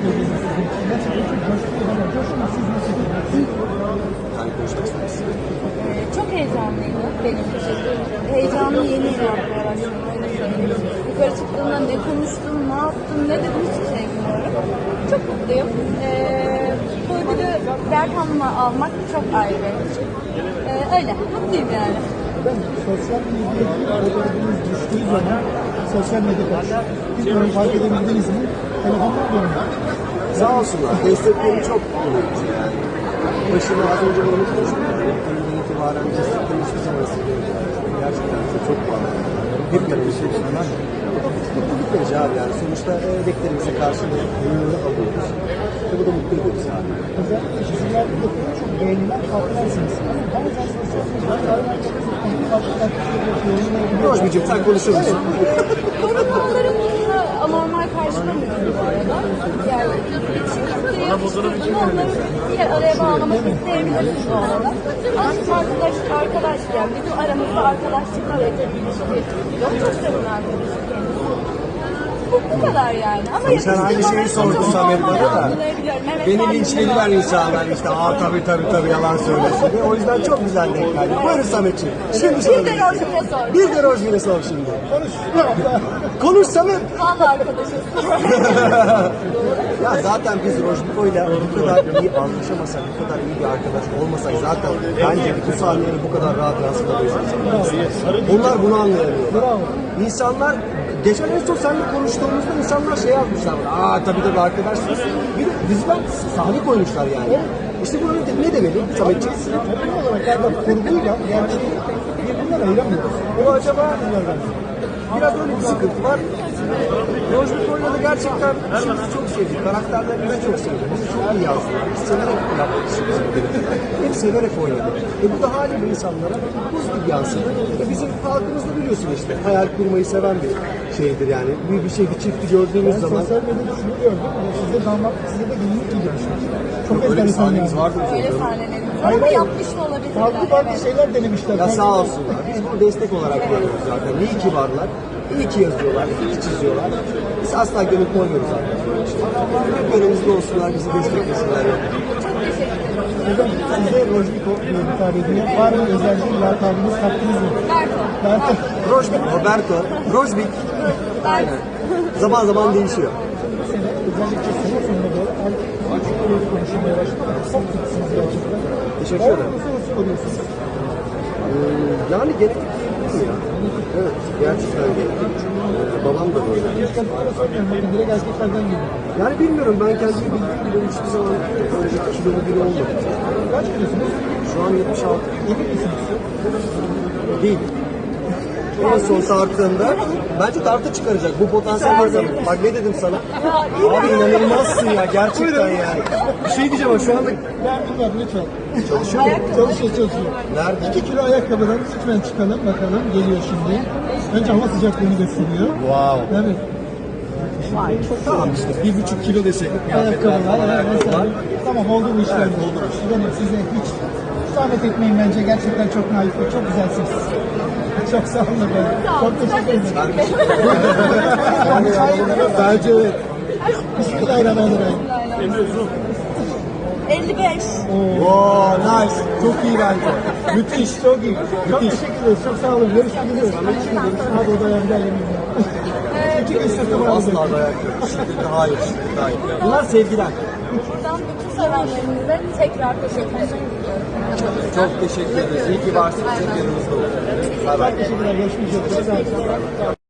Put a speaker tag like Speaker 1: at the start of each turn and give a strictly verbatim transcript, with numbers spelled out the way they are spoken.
Speaker 1: ediyorsunuz sizin için? Nasıl bir coşku var? Coşku siz nasıl ediyorsunuz?
Speaker 2: Yani konuşmak istedim.
Speaker 3: Ee, çok heyecanlıydı benim için. Heyecanlı yeni yapmaya başladım. Öyle söyleyeyim. Yukarı çıktığımda ne konuştum, ne yaptım, ne dedim hiçbir şey bilmiyorum. Çok mutluyum. Ee, bu ödülü Berkan'la almak çok ayrı. Ee, öyle, mutluyum yani.
Speaker 1: Ben sosyal medyada fotoğrafınız düştüğü zaman sosyal medyada bilmiyorum fark edebildiniz mi? Telefonlar dönüyor.
Speaker 2: Sağ olsunlar. Destekleri çok önemli yani. Başını az önce onu konuştuk. Bugünden itibaren destekleri hiçbir zaman siliyoruz. Gerçekten de çok bağlı. Hep yanımız şey sunanlar. Mutluluk verici abi yani. Sonuçta emeklerimize karşılığı alıyoruz. Ve bu da mutlu ediyoruz abi.
Speaker 1: Özellikle çizimlerde yapılan çok beğenilen farklarsınız. Bazen sosyal medyada farklı farklı
Speaker 2: Rojbicim sen konuşur musun?
Speaker 3: Yorumlarımı anormal karşılamıyorum bu arada. Yani için istiyorsun onları bir araya bağlamak isteyebilirsiniz bu arada. Aslında arkadaş, arkadaş yani bizim aramızda arkadaşlık var, ilişki yok. Çok seven arkadaşım kendisi. Bu, bu kadar yani. Ama
Speaker 2: Tabii sen aynı şeyi sordun Samet bana da.
Speaker 3: Evet,
Speaker 2: Beni linçlediler insanlar işte. Aa tabii tabii tabii yalan söylesin diye. O yüzden çok güzel denk geldi. Buyurun Sametciğim. Şimdi
Speaker 3: Bir de Rojbin'e sor.
Speaker 2: Bir de Rojbin'e sor şimdi.
Speaker 1: Konuş.
Speaker 2: Konuş Samet.
Speaker 3: Valla arkadaşız.
Speaker 2: Ya zaten biz Rojbiko'yla bu kadar iyi anlaşamasak, bu kadar iyi bir arkadaş olmasak zaten bence bu sahneleri bu kadar rahat yansıtamayız. Onlar bunu anlayamıyorlar.
Speaker 1: Bravo.
Speaker 2: İnsanlar geçen en son seninle konuştuğumuzda insanlar şey yazmışlar. Aa tabii tabii arkadaşsınız. Bir de diziden sahne koymuşlar yani. İşte bu ne, ne demeli Sametciğim?
Speaker 1: Toplum olarak galiba kurguyla gerçeği birbirinden ayıramıyoruz.
Speaker 2: Bu acaba biraz öyle bir sıkıntı var. Rojbiko'yla da gerçekten işimizi çok sevdik. Karakterlerimizi çok sevdik. Bizi çok iyi yazdılar. Biz severek yaptık işimizi. Hep severek oynadık. E bu da haliyle insanlara buz gibi yansıdı. E bizim halkımızda biliyorsun işte hayal kurmayı seven bir şeydir yani. Bir, bir şey, bir çifti gördüğümüz
Speaker 1: Ben
Speaker 2: zaman.
Speaker 1: sosyal medyada şunu gördüm. Sizde damat, size de gelinlik gidiyorsunuz. Çok
Speaker 2: Öyle bir
Speaker 1: enteresan
Speaker 2: sahnemiz
Speaker 1: yani.
Speaker 2: vardı.
Speaker 3: Öyle sahnelerimiz var ama yapmış da olabilirler.
Speaker 1: Farklı farklı
Speaker 3: Evet.
Speaker 1: şeyler denemişler.
Speaker 2: Ya sağ olsunlar. Biz bunu destek olarak görüyoruz zaten. İyi ki varlar. İyi ki yazıyorlar. İyi ki çiziyorlar. Biz asla gönül koymuyoruz zaten. Hep önümüzde olsunlar, bizi desteklesinler.
Speaker 3: Çok teşekkür ederim.
Speaker 1: Efendim size Rojbiko diye hitap ediyor. Var mı özel bir lakabınız, hakkınız mı?
Speaker 3: Berko.
Speaker 1: Berko.
Speaker 2: Rojbik, Roberto, Rojbik. Aynen. Zaman zaman değişiyor.
Speaker 1: Sene, özellikle sene sonuna doğru artık çok önemli konuşmaya başladı. Çok tutsınız gerçekten.
Speaker 2: Teşekkür ederim.
Speaker 1: Orada sorusu soruyorsunuz.
Speaker 2: Ee, yani genetik değil mi ya? Evet, gerçekten genetik. Ee, babam da böyle.
Speaker 1: Hiç kadınlara sormuyorum. Bakın direkt erkeklerden geliyor.
Speaker 2: Yani bilmiyorum, ben kendimi bildiğim bile hiçbir zaman öyle bir kilolu biri olmadım.
Speaker 1: Kaç kilosunuz?
Speaker 2: Şu an yetmiş altı
Speaker 1: Emin misiniz?
Speaker 2: değil. En son tarttığında bence tartı çıkaracak. Bu potansiyel var zaten. Bak ne dedim sana? Abi inanılmazsın ya gerçekten yani. Bir şey diyeceğim ama şu anda
Speaker 1: Ben bilmem lütfen.
Speaker 2: çalışıyor mu?
Speaker 1: Çalışıyor çalışıyor.
Speaker 2: Nerede?
Speaker 1: iki kilo ayakkabıdan lütfen çıkalım bakalım. Geliyor şimdi. Önce hava sıcaklığını gösteriyor.
Speaker 2: Wow.
Speaker 1: Evet.
Speaker 2: Tamam işte bir buçuk kilo desek.
Speaker 1: Ayakkabılar, evet, mesela. Tamam oldu bu işler.
Speaker 2: Evet, oldu bu iş.
Speaker 1: Benim size hiç zahmet etmeyin bence. Gerçekten çok naif ve çok güzelsiniz. Çok sağ olun efendim. Çok teşekkür ederim.
Speaker 2: Bence evet.
Speaker 1: Bismillahirrahmanirrahim.
Speaker 3: elli beş.
Speaker 2: Wow, nice. Çok iyi bence.
Speaker 1: Müthiş, çok iyi. Çok teşekkür ederiz. Çok sağ olun. Görüşmek üzere. Hadi odaya gidelim. İki gün sırtım aldım.
Speaker 2: Asla dayak yok. Şiddete hayır, şiddete hayır. Bunlar sevgiler.
Speaker 3: Buradan bütün sevenlerimize tekrar teşekkür ederim.
Speaker 2: Çok teşekkür ederiz. İyi ki varsınız. Hep yanımızda olun. Bay bay.
Speaker 1: Teşekkürler. Görüşmek üzere. Sağ olun.